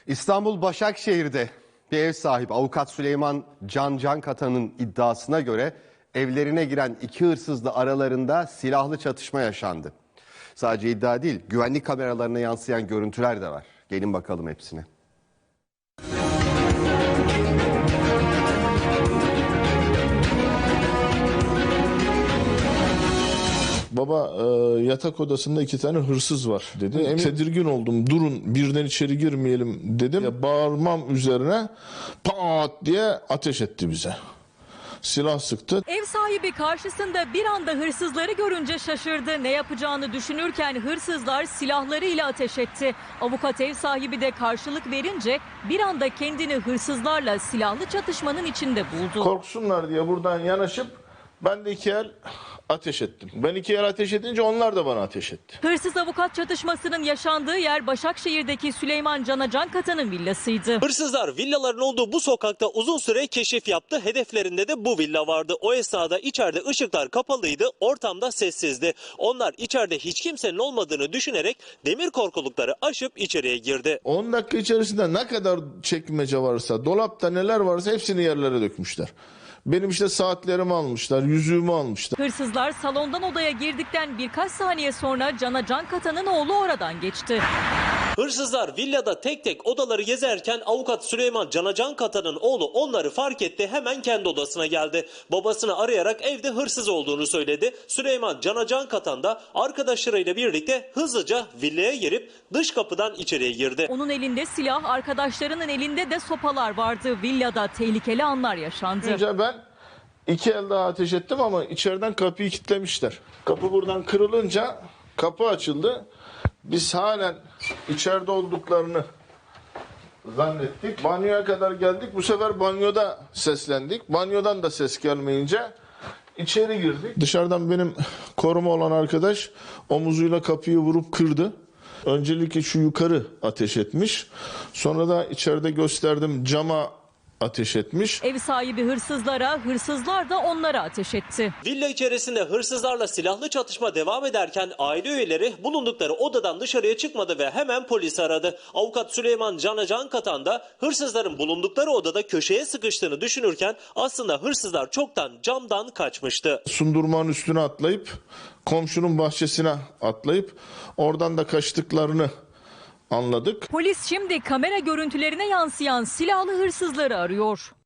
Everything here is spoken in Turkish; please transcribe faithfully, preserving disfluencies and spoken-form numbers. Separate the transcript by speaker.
Speaker 1: İstanbul Başakşehir'de bir ev sahibi avukat Süleyman Can Cankatan'ın iddiasına göre evlerine giren iki hırsızla aralarında silahlı çatışma yaşandı. Sadece iddia değil, güvenlik kameralarına yansıyan görüntüler de var. Gelin bakalım hepsine.
Speaker 2: Baba e, yatak odasında iki tane hırsız var dedi. Emin tedirgin oldum. Durun birden içeri girmeyelim dedim. Ya, bağırmam üzerine pat diye ateş etti bize. Silah sıktı.
Speaker 3: Ev sahibi karşısında bir anda hırsızları görünce şaşırdı. Ne yapacağını düşünürken hırsızlar silahlarıyla ateş etti. Avukat ev sahibi de karşılık verince bir anda kendini hırsızlarla silahlı çatışmanın içinde buldu.
Speaker 2: Korksunlar diye buradan yanaşıp ben de iki el ateş ettim. Ben iki el ateş edince onlar da bana ateş etti.
Speaker 3: Hırsız avukat çatışmasının yaşandığı yer Başakşehir'deki Süleyman Can Cankatan'ın villasıydı.
Speaker 4: Hırsızlar villaların olduğu bu sokakta uzun süre keşif yaptı. Hedeflerinde de bu villa vardı. O esnada içeride ışıklar kapalıydı, ortamda sessizdi. Onlar içeride hiç kimsenin olmadığını düşünerek demir korkulukları aşıp içeriye girdi.
Speaker 2: on dakika içerisinde ne kadar çekmece varsa, dolapta neler varsa hepsini yerlere dökmüşler. Benim işte saatlerimi almışlar, yüzüğümü almışlar.
Speaker 3: Hırsızlar salondan odaya girdikten birkaç saniye sonra Can Cankatan'ın oğlu oradan geçti.
Speaker 4: Hırsızlar villada tek tek odaları gezerken avukat Süleyman Can Cankatan'ın oğlu onları fark etti. Hemen kendi odasına geldi. Babasını arayarak evde hırsız olduğunu söyledi. Süleyman Can Cankatan da arkadaşlarıyla birlikte hızlıca villaya girip dış kapıdan içeriye girdi.
Speaker 3: Onun elinde silah, arkadaşlarının elinde de sopalar vardı. Villada tehlikeli anlar yaşandı.
Speaker 2: Önce ben iki el daha ateş ettim ama içeriden kapıyı kilitlemişler. Kapı buradan kırılınca kapı açıldı. Biz halen içeride olduklarını zannettik. Banyoya kadar geldik. Bu sefer banyoda seslendik. Banyodan da ses gelmeyince içeri girdik. Dışarıdan benim koruma olan arkadaş omuzuyla kapıyı vurup kırdı. Öncelikle şu yukarı ateş etmiş. Sonra da içeride gösterdim cama ateş etmiş.
Speaker 3: Ev sahibi hırsızlara, hırsızlar da onlara ateş etti.
Speaker 4: Villa içerisinde hırsızlarla silahlı çatışma devam ederken aile üyeleri bulundukları odadan dışarıya çıkmadı ve hemen polisi aradı. Avukat Süleyman Can Cankatan da hırsızların bulundukları odada köşeye sıkıştığını düşünürken aslında hırsızlar çoktan camdan kaçmıştı.
Speaker 2: Sundurmanın üstüne atlayıp komşunun bahçesine atlayıp oradan da kaçtıklarını anladık.
Speaker 3: Polis şimdi kamera görüntülerine yansıyan silahlı hırsızları arıyor.